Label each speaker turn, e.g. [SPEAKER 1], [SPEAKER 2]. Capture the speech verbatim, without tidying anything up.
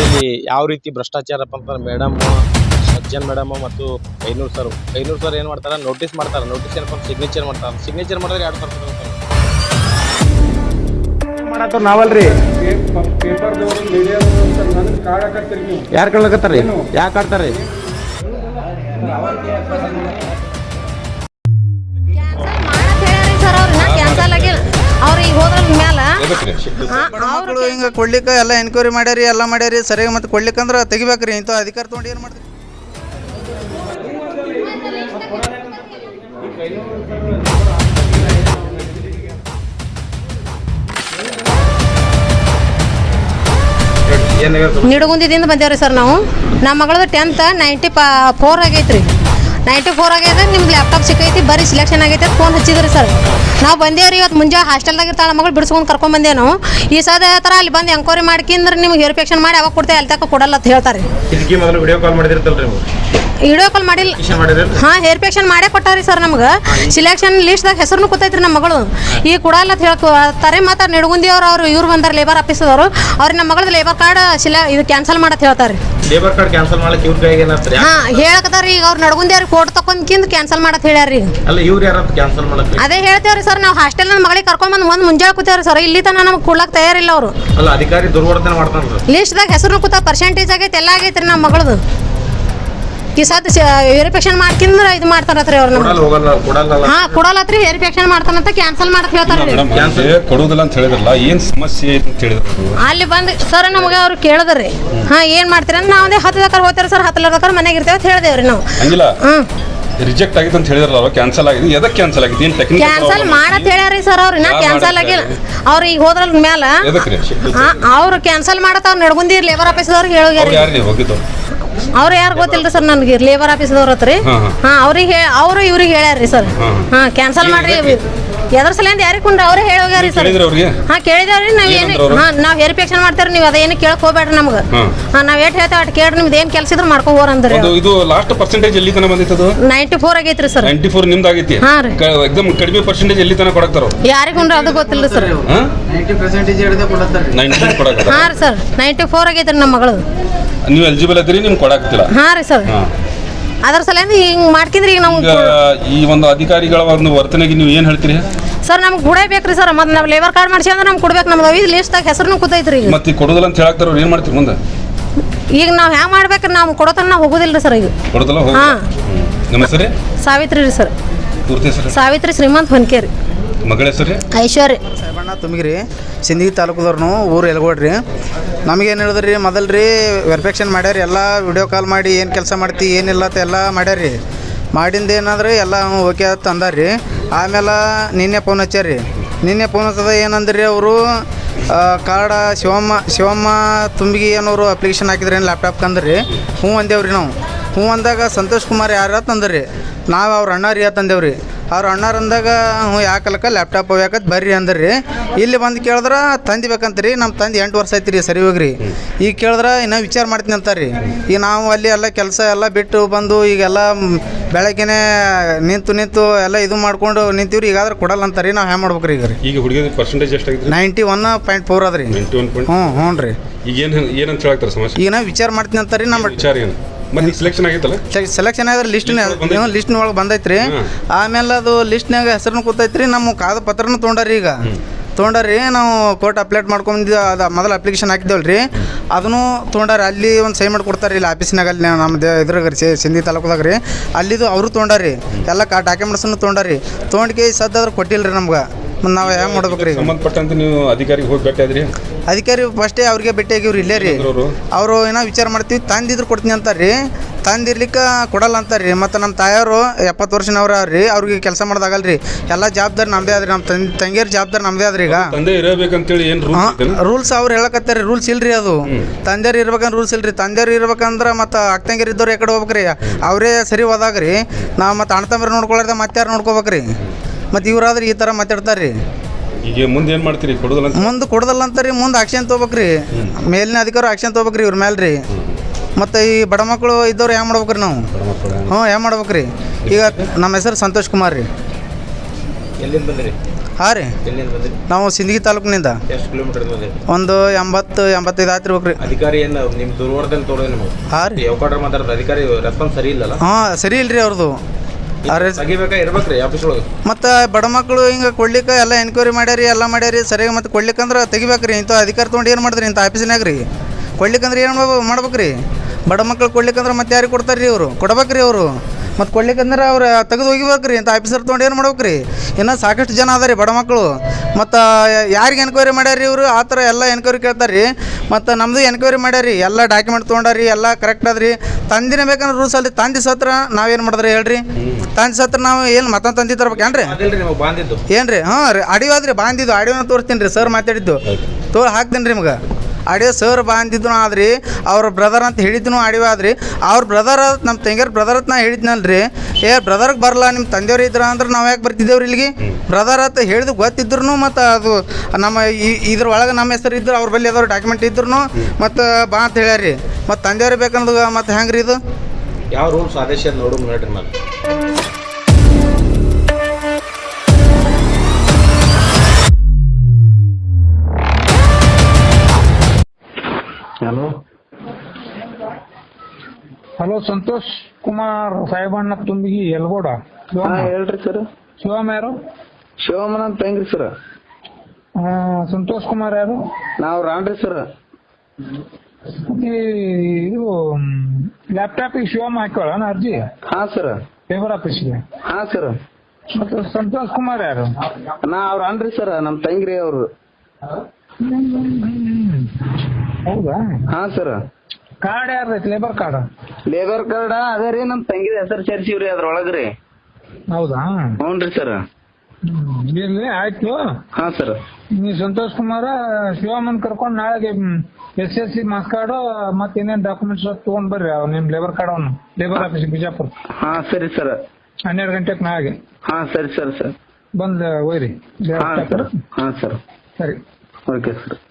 [SPEAKER 1] ಅಂದರೆ ಇಲ್ಲಿ ಯಾವ ರೀತಿ ಭ್ರಷ್ಟಾಚಾರಪ್ಪ ಅಂತಂದ್ರೆ ಮೇಡಮ್ ಸಜ್ಜನ್ ಮೇಡಮ್ ಮತ್ತು ಐನೂರು ಸರ್ ಐನೂರು ಸರ್ ಏನು ಮಾಡ್ತಾರೆ, ನೋಟಿಸ್ ಮಾಡ್ತಾರೆ. ನೋಟಿಸ್ ಏನಪ್ಪ ಸಿಗ್ನೇಚರ್ ಮಾಡ್ತಾರೆ. ಸಿಗ್ನೇಚರ್ ಮಾಡಿದ್ರೆ ಎರಡು ಸಾವಿರ ರೂಪಾಯಿ
[SPEAKER 2] ಮಾಡತ್ತ ನಾವಲ್ರಿ. ಯಾರು ಕಳ್ಕತ್ತಾರ ರೀ? ಯಾಕೆ ಆಡ್ತಾರೆ?
[SPEAKER 3] ಮಕ್ಕಳು ಹಿಂಗೆ ಕೊಡ್ಲಿಕ್ಕೆ ಎಲ್ಲ ಎನ್ಕ್ವೈರಿ ಮಾಡ್ಯಾರಿ, ಎಲ್ಲ ಮಾಡ್ಯಾರಿ ಸರಿಯಾಗಿ ಮತ್ತೆ ಕೊಡ್ಲಿಕ್ಕಂದ್ರೆ ತೆಗಿಬೇಕ್ರಿ. ಇಂಥ ಅಧಿಕಾರ ತೊಗೊಂಡು ಏನು ಮಾಡ್ತೀವಿ?
[SPEAKER 4] ನಿಡಗುಂದಿದಿಂದ ಬಂದೇವ್ರಿ ಸರ್. ನಾವು ನಮ್ಮ ಮಗಳದು ಟೆಂತ್ ನೈಂಟಿ ಪಾ ಫೋರ್ ಆಗೈತ್ರಿ. ನೈಂಟಿ ಫೋರ್ ಆಗೈತೆ. ನಿಮ್ದು ಲ್ಯಾಪ್ಟಾಪ್ ಸಿಕ್ಕೈತಿ, ಬರೀ ಸಿಲೆಕ್ಷನ್ ಆಗೈತೆ ಫೋನ್ ಹಚ್ಚಿದ್ರಿ ಸರ್. ನಾವು ಬಂದೇವ್ರಿ ಇವತ್ತು ಮುಂಜಾನೆ ಹಾಸ್ಟೆಲ್ದಾಗ ಇರ್ತಾಳೆ ಮಗಳು ಬಿಡಿಸ್ಕೊಂಡು ಕರ್ಕೊಂಡ್ ಬಂದೇವು ನಾವು. ಈ ಸದ ಥರ ಅಲ್ಲಿ ಬಂದು ಎಂಕ್ವೈರಿ ಮಾಡ್ಕಿಂದ್ರೆ ನಿಮ್ಗೆ ವೆರಿಫಿಕೇಷನ್ ಮಾಡಿ ಅವಾಗ ಕೊಡ್ತೇವೆ, ಅಲ್ಲಿ ತಕ್ಕ ಕೊಡಲ್ಲ ಅಂತ ಹೇಳ್ತಾರೆ.
[SPEAKER 1] Video call ಮಾಡಿದಿರ್ತಲ್ರಿ?
[SPEAKER 4] ವಿಡಿಯೋ ಕಾಲ್ ಮಾಡಿಲ್ಲ. ಹಾಂ, ವೆರಿಫಿಕೇಷನ್ ಮಾಡೇ ಕೊಟ್ಟಾರಿ ಸರ್ ನಮ್ಗೆ. ಸಿಲೆಕ್ಷನ್ ಲಿಸ್ಟ್ದಾಗ ಹೆಸರು ಕೂತೈತ್ರಿ ನಮ್ಮ ಮಗಳು. ಈಗ ಕೊಡಲ್ಲ ಅಂತ ಹೇಳ್ತಾರೆ. ಮತ್ತು ನಿಡಗುಂದಿಯವ್ರು ಅವರು ಇವ್ರು ಬಂದಾರೆ ಲೇಬರ್ ಆಫೀಸದವರು. ಅವ್ರಿಗೆ ನಮ್ಮ ಮಗಳದ್ದು ಲೇಬರ್ ಕಾರ್ಡ್ ಸಿಲ ಇದು ಕ್ಯಾನ್ಸಲ್ ಮಾಡತ್ ಹೇಳ್ತಾರೆ.
[SPEAKER 1] ಲೇಬರ್ ಕಾರ್ಡ್ ಕ್ಯಾನ್ಸಲ್ ಮಾಡಕ್ಕೆ ಇವ್ರ ಕೈಗೆ ಏನಾಗ್ತದೆ?
[SPEAKER 4] ಹಾಂ, ಹೇಳಕತ್ತಾರ. ಈಗ ಅವ್ರು ನಡಗುಂದಿಯವ್ರಿಗೆ ಫೋಟೋ ತಕೊಂಡ್ಕಿಂದ ಕ್ಯಾನ್ಸಲ್ ಮಾಡತ್ ಹೇಳ್ಯಾರಿ.
[SPEAKER 1] ಅಲ್ಲ, ಇವ್ರು ಯಾರು ಕ್ಯಾನ್ಸಲ್ ಮಾಡಕ್ಕೆ?
[SPEAKER 4] ಅದೇ ಹೇಳ್ತೇವ್ರಿ ಸರ್. ನಾವು ಹಾಸ್ಟೆಲ್ ನನ್ನ ಮಗಳಿಗೆ ಕರ್ಕೊಂಡ್ಬಂದು ಒಂದು ಮುಂಜಾನೆ ಕೂತೇವ್ರಿ ಸರ್. ಇಲ್ಲಿ ತನಕ ನಮ್ಗೆ ಕೊಡ್ಲಕ್ಕೆ ತಯಾರಿಲ್ಲ ಅವರು.
[SPEAKER 1] ಅಲ್ಲ, ಅಧಿಕಾರಿ ದುರ್ವರ್ತನೆ ಮಾಡ್ತಾರ.
[SPEAKER 4] ಲಿಸ್ಟ್ದಾಗ ಹೆಸರು ಕೂತ ಪರ್ಸೆಂಟೇಜ್ ಆಗೈತೆ, ಎಲ್ಲ ಆಗೈತ್ರಿ ನಮ್ಮ ಮಗಳದು. ಈ ಸದ್ ವೆರಿಫಿಕೇಷನ್ ಮಾಡ್ಕಿಂದ್ರೆ ಇದು ಮಾಡ್ತಾರತ್ರಿ ಅವ್ರು. ಹಾ, ಕೊಡಲ್ಲತ್ರಿ. ವೆರಿಫಿಕೇಷನ್ ಮಾಡ್ತಾನಂತ ಕ್ಯಾನ್ಸಲ್ ಮಾಡಕ್ ಹೇಳ್ತಾರ್ರಿ.
[SPEAKER 2] ಕೊಡುದಿಲ್ಲ ಅಂತ ಹೇಳಿದ್ರಲ್ಲ, ಏನ್ ಸಮಸ್ಯೆ ಐತೆ ಅಂತ ಹೇಳಿದ್ರು.
[SPEAKER 4] ಅಲ್ಲಿ ಬಂದು ಸರ್ ನಮಗೆ ಅವ್ರು ಕೇಳಿದ್ರಿ. ಹಾ, ಏನ್ ಮಾಡ್ತೀರ ಅಂತ ನಾವೇ ಹತ್ತು ದಕಾರ ಹೋಗ್ತೇವೆ ಸರ್. ಹತ್ತು ದಕಾರ ಮನೆಗೆ ಇರ್ತೇವೆ ಅಂತ ಹೇಳಿದೇವ್ರಿ ನಾವು.
[SPEAKER 2] ಹಂಗಿಲ್ಲ, ರಿಜೆಕ್ಟ್ ಆಗಿದೆ ಅಂತ ಹೇಳಿದ್ರಲ್ಲ, ಕ್ಯಾನ್ಸಲ್ ಆಗಿದೆ. ಎದಕ್ಕೆ ಕ್ಯಾನ್ಸಲ್ ಆಗಿದೆ? ಏನು ಟೆಕ್ನಿಕಲ್
[SPEAKER 4] ಕ್ಯಾನ್ಸಲ್ ಮಾಡತ್ ಹೇಳ್ಯಾರಿ ಸರ್ ಅವ್ರು. ನಾ ಕ್ಯಾನ್ಸಲ್ ಆಗಿಲ್ಲ. ಅವ್ರು ಈಗ ಹೋದ್ರಲ್ ಮ್ಯಾಲ ಅವ್ರು ಕ್ಯಾನ್ಸಲ್ ಮಾಡತ್ತ. ಅವ್ರು ನಡ್ಗುಂದಿ ಲೇಬರ್ ಆಫೀಸ್ದವ್ರಿಗೆ ಹೇಳೋಗ್ಯಾರ. ಅವ್ರು ಯಾರು ಗೊತ್ತಿಲ್ರಿ ಸರ್ ನನಗೆ. ಲೇಬರ್ ಆಫೀಸ್ದವ್ರ ಹತ್ರಿ. ಹಾ, ಅವ್ರಿಗೆ ಅವರು ಇವ್ರಿಗೆ ಹೇಳ್ಯಾರ್ರಿ ಸರ್. ಹಾ, ಕ್ಯಾನ್ಸಲ್ ಮಾಡ್ರಿ. ಎದ್ರ ಸಲಿಂದ ಯಾರಿಗೆ ಕೊಂಡ್ರಿ ಅವರೇ ಹೇಳೋಗ್ಯಾರಿ ಸರ್. ಹಾ, ಕೇಳಿದಾವ್ರಿ. ನಾವ್ ಏನು ಹಾ ನಾವ್ ವೆರಿಫಿಕೇಷನ್ ಮಾಡ್ತೇವ್ರಿ. ನೀವು ಅದೇನು ಕೇಳಕ್ ಹೋಗ್ಬೇಡ್ರಿ ನಮ್ಗೆ. ಹಾ, ನಾವ್ ಏಟ್ ಹೇಳ್ತೇವೆ ಅಟ್ ಕೇಳ್ರಿ. ನಿಮ್ದು ಏನ್ ಕೆಲಸ ಇದ್ರು ಮಾಡ್ಕೊ ಹೋರ್ ಅಂದ್ರೆ.
[SPEAKER 2] ಇದು ಲಾಸ್ಟ್ ಪರ್ಸೆಂಟೇಜ್ ಎಲ್ಲಿ ತನಕ ಬಂದಿತ್ತು?
[SPEAKER 4] ನೈಂಟಿ ಫೋರ್ ಆಗೈತ್ರಿ ಸರ್.
[SPEAKER 2] ನೈಂಟಿ ಫೋರ್ ನಿಮ್ದು ಆಗೈತಿ.
[SPEAKER 4] ಹಾ ರೀ.
[SPEAKER 2] ಎಕ್ದಮ್ ಕಡಿಮೆ ಪರ್ಸೆಂಟೇಜ್ ಎಲ್ಲಿ ತನಕ ಕೊಡಕ್ತಾರ?
[SPEAKER 4] ಯಾರಿಗೆ ಕೊಂಡ್ರಿ ಅದು ಗೊತ್ತಿಲ್ಲ ಸರ್.
[SPEAKER 3] ನೈಂಟಿ ಪರ್ಸೆಂಟೇಜ್ ಹಿಡಿದ ಕೊಡತ್ತಾರೆ.
[SPEAKER 4] ಹಾ ರೀ ಸರ್, ನೈಂಟಿ ಫೋರ್ ಆಗೈತ್ರಿ ನಮ್ಮ ಮಗಳು.
[SPEAKER 2] ನೀವು ಎಲಿಜಿಬಲ್ ಅದ್ರಿ, ನಿಮ್ಗೆ ಕೊಡಾಕ್ತಿಲ್ಲ?
[SPEAKER 4] ಹಾ ರೀ ಸರ್. ಅದ್ರ ಸಲಿಂದ ಹಿಂಗ್ ಮಾಡ್ಕಿಂದ್ರಿ. ಈಗ ನಮ್ಗೆ
[SPEAKER 2] ಈ ಒಂದು ಅಧಿಕಾರಿಗಳ ಒಂದು ವರ್ತನೆಗೆ ನೀವು ಏನ್ ಹೇಳ್ತೀರಿ
[SPEAKER 4] ಸರ್? ನಮ್ಗೆ ಕೊಡೇ ಬೇಕ್ರಿ ಸರ್. ಮತ್ತೆ ನಾವು ಲೇಬರ್ ಕಾರ್ಡ್ ಮಾಡ್ಸಿ ಅಂದ್ರೆ ನಮ್ಗೆ ಕೊಡ್ಬೇಕು. ನಮ್ದು ಈ ಲಿಸ್ಟ್ದಾಗ ಹೆಸರು ಕೂತೈತ್ರಿ. ಈಗ
[SPEAKER 2] ಮತ್ತೆ ಕೊಡೋದಿಲ್ಲ ಅಂತ ಹೇಳಕ್ತಾರ, ಏನ್ ಮಾಡ್ತೀರಿ ಮುಂದೆ?
[SPEAKER 4] ಈಗ ನಾವು ಹ್ಯಾಂಗ ಮಾಡ್ಬೇಕ್ರಿ? ನಾವು ಕೊಡೋತನ ನಾವು ಹೋಗೋದಿಲ್ರಿ ಸರ್. ಈಗ
[SPEAKER 2] ಕೊಡೋದಿಲ್ಲ.
[SPEAKER 4] ಹಾ,
[SPEAKER 2] ನಿಮ್ಮ ಹೆಸರೇ?
[SPEAKER 4] ಸಾವಿತ್ರಿ ರೀ ಸರ್.
[SPEAKER 2] ಪೂರ್ತಿ ಹೆಸರು?
[SPEAKER 4] ಸಾವಿತ್ರಿ ಶ್ರೀಮಂತ್ ಹೊನ್ಕೇರಿ.
[SPEAKER 2] ಮಗಳ ಹೆಸರು?
[SPEAKER 4] ಐಶ್ವರ್ಯ.
[SPEAKER 3] ಸಾಹೇಬಣ್ಣ ತುಮಗಿರಿ, ಸಿಂದಗಿ ತಾಲೂಕದವ್ರು, ಊರು ಎಲ್ಗೋಡ್ರಿ. ನಮಗೇನು ಹೇಳಿದ್ರಿ ಮೊದಲು ರೀ, ವೆರಿಫಿಕೇಷನ್ ಮಾಡ್ಯಾರಿ. ಎಲ್ಲ ವಿಡಿಯೋ ಕಾಲ್ ಮಾಡಿ ಏನು ಕೆಲಸ ಮಾಡ್ತಿ ಏನಿಲ್ಲ ಅಂತ ಎಲ್ಲ ಮಾಡ್ಯಾರಿ. ಮಾಡಿಂದ ಏನಾದ್ರೆ ಎಲ್ಲ ಓಕೆ ಅಂತ ಅಂದಾರ್ರಿ. ಆಮೇಲೆ ನಿನ್ನೆ ಫೋನ್ ಹಚ್ಚಾರಿ. ನಿನ್ನೆ ಫೋನ್ ಹಚ್ಚದ ಏನಂದ್ರಿ ಅವರು, ಕಾರ್ಡ ಶಿವಮ್ಮ ಶಿವಮ್ಮ ತುಂಬಿಗಿ ಅನ್ನೋರು ಅಪ್ಲಿಕೇಶನ್ ಹಾಕಿದ್ರಿ ಏನು ಲ್ಯಾಪ್ಟಾಪ್ ಅಂದ್ರಿ. ಹ್ಞೂ ಅಂದೇವ್ರಿ ನಾವು. ಹ್ಞೂ ಅಂದಾಗ ಸಂತೋಷ್ ಕುಮಾರ್ ಯಾರ ತಂದ್ರಿ. ನಾವು ಅವ್ರ ಅಣ್ಣ ರೀ ತಂದೇವ್ರಿ. ಅವ್ರ ಅಣ್ಣಾರು ಅಂದಾಗ ಹ್ಞೂ ಯಾಕಲಕ್ಕ ಲ್ಯಾಪ್ಟಾಪ್ ಯಾಕತ್ ಬರ್ರಿ ಅಂದ್ರಿ. ಇಲ್ಲಿ ಬಂದು ಕೇಳಿದ್ರೆ ತಂದಿಬೇಕಂತ ರೀ. ನಮ್ಮ ತಂದೆ ಎಂಟು ವರ್ಷ ಐತಿ ರೀ, ಸರಿ ಹೋಗ್ರಿ. ಈಗ ಕೇಳಿದ್ರೆ ಇನ್ನೂ ವಿಚಾರ ಮಾಡ್ತೀನಿ ಅಂತಾರೆ ರೀ. ಈಗ ನಾವು ಅಲ್ಲಿ ಎಲ್ಲ ಕೆಲಸ ಎಲ್ಲ ಬಿಟ್ಟು ಬಂದು ಈಗೆಲ್ಲ ಬೆಳಗ್ಗೆನೇ ನಿಂತು ನಿಂತು ಎಲ್ಲ ಇದು ಮಾಡ್ಕೊಂಡು ನಿಂತೀವ್ರಿ. ಈಗಾದ್ರೆ ಕೊಡಲ್ಲ ಅಂತಾರೆ ರೀ. ನಾವು ಹ್ಯಾಂಗ ಮಾಡ್ಬೇಕ್ರಿ ಈಗ ರೀ?
[SPEAKER 2] ಈಗ ಹುಡುಗಿ ಪರ್ಸೆಂಟೇಜ್ ಎಷ್ಟಾಗಿತ್ತು?
[SPEAKER 3] ನೈಂಟಿ ಒನ್ ಪಾಯಿಂಟ್ ಫೋರ್ ಅದ ರೀ. ಹ್ಞೂ ಹ್ಞೂ ರೀ.
[SPEAKER 2] ಈಗ ಏನು ಏನಂತ ಹೇಳಕ್ತಾರೆ ಸಮಸ್ಯೆ?
[SPEAKER 3] ಈಗ ನಾವು ವಿಚಾರ ಮಾಡ್ತೀನಿ ಅಂತಾರೆ ರೀ. ನಮ್ಮ
[SPEAKER 2] ವಿಚಾರ ಏನು? ಮತ್ತೆ ಸೆಲೆಕ್ಷನ್ ಆಗೈತಲ್ಲ?
[SPEAKER 3] ಸೆಲೆಕ್ಷನ್ ಆಗಿದ್ರೆ ಲಿಸ್ಟ್ನ ಲಿಸ್ಟ್ನ ಒಳಗೆ ಬಂದೈತ್ರಿ. ಆಮೇಲೆ ಅದು ಲಿಸ್ಟ್ನಾಗ ಹೆಸರನ್ನು ಕೂತೈತ್ರಿ. ನಮ್ಮ ಕಾಗದ ಪತ್ರನೂ ತೊಗೊಂಡಾರಿ. ಈಗ ತೊಗೊಂಡಾರಿ. ನಾವು ಕೋರ್ಟ್ ಅಪ್ಲೈಟ್ ಮಾಡ್ಕೊಂಡಿದ್ದು ಅದು ಮೊದಲು ಅಪ್ಲಿಕೇಶನ್ ಹಾಕಿದ್ದೇವಲ್ಲ ರೀ, ಅದನ್ನು ತೊಗೊಂಡಾರಿ. ಅಲ್ಲಿ ಒಂದು ಸೈ ಮಾಡಿ ಕೊಡ್ತಾರೆ ಇಲ್ಲಿ ಆಫೀಸ್ನಾಗ. ಅಲ್ಲಿ ನಮ್ಮ ಇದ್ರಾಗ ರೀ ಸಿಂಧಿ ತಾಲೂಕದಾಗ ರೀ, ಅಲ್ಲಿದು ಅವರು ತೊಗೊಂಡಾರಿ. ಎಲ್ಲ ಕಾ ಡಾಕ್ಯುಮೆಂಟ್ಸನ್ನು ತೊಗೊಂಡಾರಿ. ತೊಗೊಂಡ್ಕೆ ಸದ್ದಾದ್ರೆ ಕೊಟ್ಟಿಲ್ಲ ರೀ ನಮ್ಗೆ. ಮತ್ತು ನಾವು ಹೆಂಗೆ ಮಾಡ್ಬೇಕು ರೀ?
[SPEAKER 2] ಸಂಬಂಧಪಟ್ಟಂತೆ ನೀವು ಅಧಿಕಾರಿಗೆ ಹೋಗಿ ಭೇಟಿ ಆದ್ರಿ?
[SPEAKER 3] ಅಧಿಕಾರಿ ಫಸ್ಟೇ ಅವ್ರಿಗೆ ಭೇಟಿ ಆಗಿವ್ರಿ ಇಲ್ಲೇ ರೀ. ಅವರು ಏನೋ ವಿಚಾರ ಮಾಡ್ತೀವಿ ತಂದಿದ್ರು ಕೊಡ್ತೀನಿ ಅಂತಾರೆ ರೀ. ತಂದಿರ್ಲಿಕ್ಕೆ ಕೊಡಲ್ಲ ಅಂತಾರೆ ರೀ. ಮತ್ತು ನಮ್ಮ ತಾಯವರು ಎಪ್ಪತ್ತು ವರ್ಷನವ್ರು ಅವ್ರಿ. ಅವ್ರಿಗೆ ಕೆಲಸ ಮಾಡೋದಾಗಲ್ಲ ರೀ. ಎಲ್ಲ ಜವಾಬ್ದಾರಿ ನಮ್ಮದೇ ಆದ್ರಿ. ನಮ್ಮ ತಂದೆ ತಂಗಿಯರ ಜವಾಬ್ದಾರಿ ನಮ್ಮದೇ ಆದ್ರಿ. ಈಗ
[SPEAKER 2] ತಂದೆ ಇರಬೇಕಂತೇಳಿ ಏನು
[SPEAKER 3] ರೂಲ್ಸ್ ಅವ್ರು ಹೇಳಕತ್ತಾರೆ. ರೂಲ್ಸ್ ಇಲ್ರಿ. ಅದು ತಂದೆಯವ್ರು ಇರ್ಬೇಕಂದ್ರೆ ರೂಲ್ಸ್ ಇಲ್ರಿ. ತಂದೆಯವ್ರು ಇರ್ಬೇಕಂದ್ರೆ ಮತ್ತು ಅಕ್ಕಂಗಿರು ಇದ್ದವ್ರು ಯಾಕಡೆ ಹೋಗ್ಬೇಕ್ರಿ? ಅವರೇ ಸರಿ ಹೋದಾಗ್ರಿ. ನಾವು ಮತ್ತು ಅಣ್ಣ ತಮ್ಮರು ನೋಡ್ಕೊಳ್ದೆ ಮತ್ತೆ ಯಾರು ನೋಡ್ಕೋಬೇಕ್ರಿ? ಮತ್ತು ಇವರಾದ್ರೆ ಈ ಥರ ಮಾತಾಡ್ತಾರೆ ರೀ.
[SPEAKER 2] ಈಗ ಮುಂದೆ ಏನು ಮಾಡ್ತೀರಿ? ಕೊಡೋದಿಲ್ಲ
[SPEAKER 3] ಮುಂದೆ ಕೊಡೋದಲ್ಲ ಅಂತಾರೆ ರೀ. ಮುಂದೆ ಆಕ್ಷನ್ ತೊಗೋಬೇಕ್ರಿ. ಮೇಲಿನ ಅಧಿಕಾರಿ ಆಕ್ಷನ್ ತೊಗೋಬೇಕ್ರಿ ಇವ್ರ ಮೇಲೆ ರೀ. ಮತ್ತು ಈ ಬಡ ಮಕ್ಕಳು ಇದ್ದವ್ರು ಹೆಂಗೆ ಮಾಡ್ಬೇಕ್ರಿ ನಾವು? ಹ್ಞೂ ಹೆಂಗೆ ಮಾಡ್ಬೇಕ್ರಿ? ಈಗ ನಮ್ಮ ಹೆಸರು ಸಂತೋಷ್ ಕುಮಾರ್ ರೀ.
[SPEAKER 1] ಎಲ್ಲಿಂದ ಬಂದಿರಿ?
[SPEAKER 3] ಹಾಂ ರೀ
[SPEAKER 1] ಎಲ್ಲಿಂದ ಬಂದ್ರಿ?
[SPEAKER 3] ನಾವು ಸಿಂದಗಿ ತಾಲೂಕಿನಿಂದ
[SPEAKER 1] ಎಷ್ಟು ಕಿಲೋಮೀಟರ್ ಬಂದ್ರಿ?
[SPEAKER 3] ಒಂದು ಎಂಬತ್ತು ಎಂಬತ್ತೈದು ಆಯ್ತು ರೀ.
[SPEAKER 1] ಅಧಿಕಾರಿ ಏನು ನಿಮ್ಮ ದುರ್ವರ್ಧನೆ ತೋರಿದೆ ನಿಮಗೆ?
[SPEAKER 3] ಹಾಂ ರೀ.
[SPEAKER 1] ಯಾವ್ಕಾಡ್ರ ಮಾತಾಡೋದು ಅಧಿಕಾರಿ ರೆಸ್ಪಾನ್ಸ್ ಸರಿ ಇಲ್ಲಲ್ಲ?
[SPEAKER 3] ಹಾಂ ಸರಿ ಇಲ್ರಿ ಅವ್ರದ್ದು.
[SPEAKER 1] ತೆಗಿಬೇಕಾ ಇರ್ಬೇಕ್ರಿ ಆಫೀಸ್ ಒಳಗೆ.
[SPEAKER 3] ಮತ್ತು ಬಡ ಮಕ್ಕಳು ಹಿಂಗೆ ಕೊಡ್ಲಿಕ್ಕೆ ಎಲ್ಲ ಎನ್ಕ್ವೈರಿ ಮಾಡ್ಯಾರಿ ಎಲ್ಲ ಮಾಡ್ಯಾರಿ ಸರಿಯಾಗಿ ಮತ್ತು ಕೊಡ್ಲಿಕ್ಕಂದ್ರೆ ತೆಗಿಬೇಕ್ರಿ. ಇಂಥ ಅಧಿಕಾರ ತೊಗೊಂಡು ಏನು ಮಾಡಿದ್ರಿ ಇಂಥ ಆಫೀಸಿನಾಗ ರೀ? ಕೊಡ್ಲಿಕ್ಕಂದ್ರೆ ಏನು ಮಾಡ್ಬೇಕ್ರಿ? ಬಡ ಮಕ್ಕಳು ಕೊಡ್ಲಿಕ್ಕಂದ್ರೆ ಮತ್ತೆ ಯಾರಿಗೆ ಕೊಡ್ತಾರೆ ರೀ ಅವರು? ಕೊಡ್ಬೇಕ್ರಿ ಅವರು. ಮತ್ತು ಕೊಡ್ಲಿಕ್ಕಂದ್ರೆ ಅವ್ರು ತೆಗೆದು ಹೋಗಿಬೇಕ್ರಿ. ಇಂಥ ಆಫೀಸರ್ ತೊಗೊಂಡು ಏನು ಮಾಡ್ಬೇಕ್ರಿ? ಇನ್ನೂ ಸಾಕಷ್ಟು ಜನ ಅದ ರೀ ಬಡ ಮಕ್ಕಳು. ಮತ್ತು ಯಾರಿಗೆ ಎನ್ಕ್ವೈರಿ ಮಾಡ್ಯಾರಿ ಇವರು? ಆ ಥರ ಎಲ್ಲ ಎನ್ಕ್ವೈರಿ ಕೇಳ್ತಾರೆ ರೀ. ಮತ್ತು ನಮ್ಮದು ಎನ್ಕ್ವೈರಿ ಮಾಡ್ಯಾರಿ, ಎಲ್ಲ ಡಾಕ್ಯುಮೆಂಟ್ ತೊಗೊಂಡಾರಿ, ಎಲ್ಲ ಕರೆಕ್ಟ್ ಅದ ರೀ. ತಂದಿನ ಬೇಕಂದ್ರೆ ರೂಲ್ಸ್ ಅಲ್ಲಿ ತಂದಿ ಸತ್ರ ನಾವೇನು ಮಾಡಿದ್ರಿ ಹೇಳ್ರಿ? ತಂದಿ ಸತ್ರ ನಾವು ಏನು ಮತ್ತೊಂದು ತಂದಿ ತರ್ಬೇಕೇನ್ರಿ? ಏನು ರೀ? ಹಾಂ ರೀ ಆಡಿಯೋದ್ರಿ ಬಾಂದಿದ್ದು ಆಡಿಯೋನ ತೋರಿಸ್ತೀನಿ ರೀ. ಸರ್ ಮಾತಾಡಿದ್ದು ತೋ ಹಾಕ್ತೀನಿ ರೀ ನಿಮ್ಗೆ ಆಡಿಯೋ. ಸರ್ ಬಾಂದಿದ್ದು ಆದ್ರಿ, ಅವ್ರ ಬ್ರದರ್ ಅಂತ ಹೇಳಿದ್ನು ಆಡಿಯೋ ಆದ್ರಿ. ಅವ್ರ ಬ್ರದರ್ ನಮ್ಮ ತಂಗಿಯರ್ ಬ್ರದರ್ ಅಂತ ನಾ ಹೇಳಿದ್ನಲ್ರಿ. ಏ ಬ್ರದರ್ಗೆ ಬರಲ್ಲ ನಿಮ್ಮ ತಂದೆಯವ್ರು ಇದ್ರ ಅಂದ್ರೆ ನಾವು ಯಾಕೆ ಬರ್ತಿದ್ದೇವ್ರಿ ಇಲ್ಲಿಗೆ? ಬ್ರದರ್ ಅಂತ ಹೇಳಿದ್ ಗೊತ್ತಿದ್ರು ಮತ್ತು ಅದು ನಮ್ಮ ಇದ್ರ ಒಳಗೆ ನಮ್ಮ ಹೆಸರು ಇದ್ರು, ಅವ್ರ ಬಳಿ ಅದಾವ್ರು ಡಾಕ್ಯುಮೆಂಟ್ ಇದ್ರು ಮತ್ತು ಬಾ ಅಂತ ಹೇಳ್ಯಾರಿ. ಮತ್ತು ತಂದೆಯವ್ರಿಗೆ ಬೇಕಂದ್ರೆ ಮತ್ತು ಹೆಂಗೆ ರೀ ಇದು?
[SPEAKER 1] ಯಾವ ರೂಲ್ಸ್ ಆದೇಶ ನೋಡು ನೋಡ್ರಿ ನಾನು.
[SPEAKER 5] ಹಲೋ
[SPEAKER 6] ಹಲೋ ಸಂತೋಷ್ ಕುಮಾರ್ ಸಾಹೇಬಣ್ಣ ತುಂಬಿಗಿ ಯಲ್ಗೋಡ.
[SPEAKER 5] ಹಾ ಹೇಳ್ರಿ ಸರ್.
[SPEAKER 6] ಶಿವಮ್ ಯಾರು?
[SPEAKER 5] ಶಿವಮ್ಮನ ಅಂತ ಹೆಂಗ್ರಿ ಸರ್?
[SPEAKER 6] ಸಂತೋಷ್ ಕುಮಾರ್ ಯಾರು?
[SPEAKER 5] ನಾವು ರಾಣ್ರಿ ಸರ್.
[SPEAKER 6] ಇದು ಲ್ಯಾಪ್ಟಾಪ್ ಶಿವಮ್ಮ ಹಾಕೋಣ ಅರ್ಜಿ?
[SPEAKER 5] ಹಾ ಸರ್.
[SPEAKER 6] ಲೇಬರ್ ಆಫೀಸ್ಗೆ?
[SPEAKER 5] ಹಾ ಸರ್.
[SPEAKER 6] ಮತ್ತೆ ಸಂತೋಷ್ ಕುಮಾರ್ ಯಾರು?
[SPEAKER 5] ನಾ ಅವ್ರ ಅನ್ರಿ ಸರ್, ನಮ್ ತಂಗ್ರಿ ಅವ್ರು.
[SPEAKER 6] ಹೌದಾ?
[SPEAKER 5] ಹಾ ಸರ್.
[SPEAKER 6] ಕಾರ್ಡ್ ಯಾರ್ದೈತಿ? Labour card?
[SPEAKER 5] ಲೇಬರ್ ಕಾರ್ಡ್ ಅದೇ ರೀ, ನಮ್ ತಂಗಿದ ಹೆಸರು ಸೇರ್ಸಿವ್ರಿ ಅದ್ರೊಳಗ್ರಿ.
[SPEAKER 6] ಹೌದಾ?
[SPEAKER 5] ಹ್ಞೂನ್ರಿ ಸರ್.
[SPEAKER 6] ಇರ್ಲಿ ಆಯ್ತು.
[SPEAKER 5] ಹಾ ಸರ್.
[SPEAKER 6] ನೀವು ಸಂತೋಷ್ ಕುಮಾರ ಶಿವಮ್ಮನ್ ಕರ್ಕೊಂಡು ನಾಳೆಗೆ S S C marks card ಮತ್ತೆ ಇನ್ನೇನು ಡಾಕ್ಯುಮೆಂಟ್ಸ್ ತಗೊಂಡ್ ಬರ್ರಿ ಅವ್ರು ನಿಮ್ ಲೇಬರ್ ಕಾರ್ಡ್ ಅವನು ಲೇಬರ್ ಆಫೀಸ್ ಬಿಜಾಪುರ.
[SPEAKER 5] ಹಾ ಸರಿ ಸರ್.
[SPEAKER 6] ಹನ್ನೆರಡು ಗಂಟೆಗೆ ನಾಳೆಗೆ.
[SPEAKER 5] ಹಾ ಸರಿ ಸರ್ ಸರ್.
[SPEAKER 6] ಬಂದ್ ಒಯ್ರಿ.
[SPEAKER 5] ಹಾ ಸರ್. ಹಾ ಸರ್.
[SPEAKER 6] ಸರಿ.
[SPEAKER 5] Okay sir.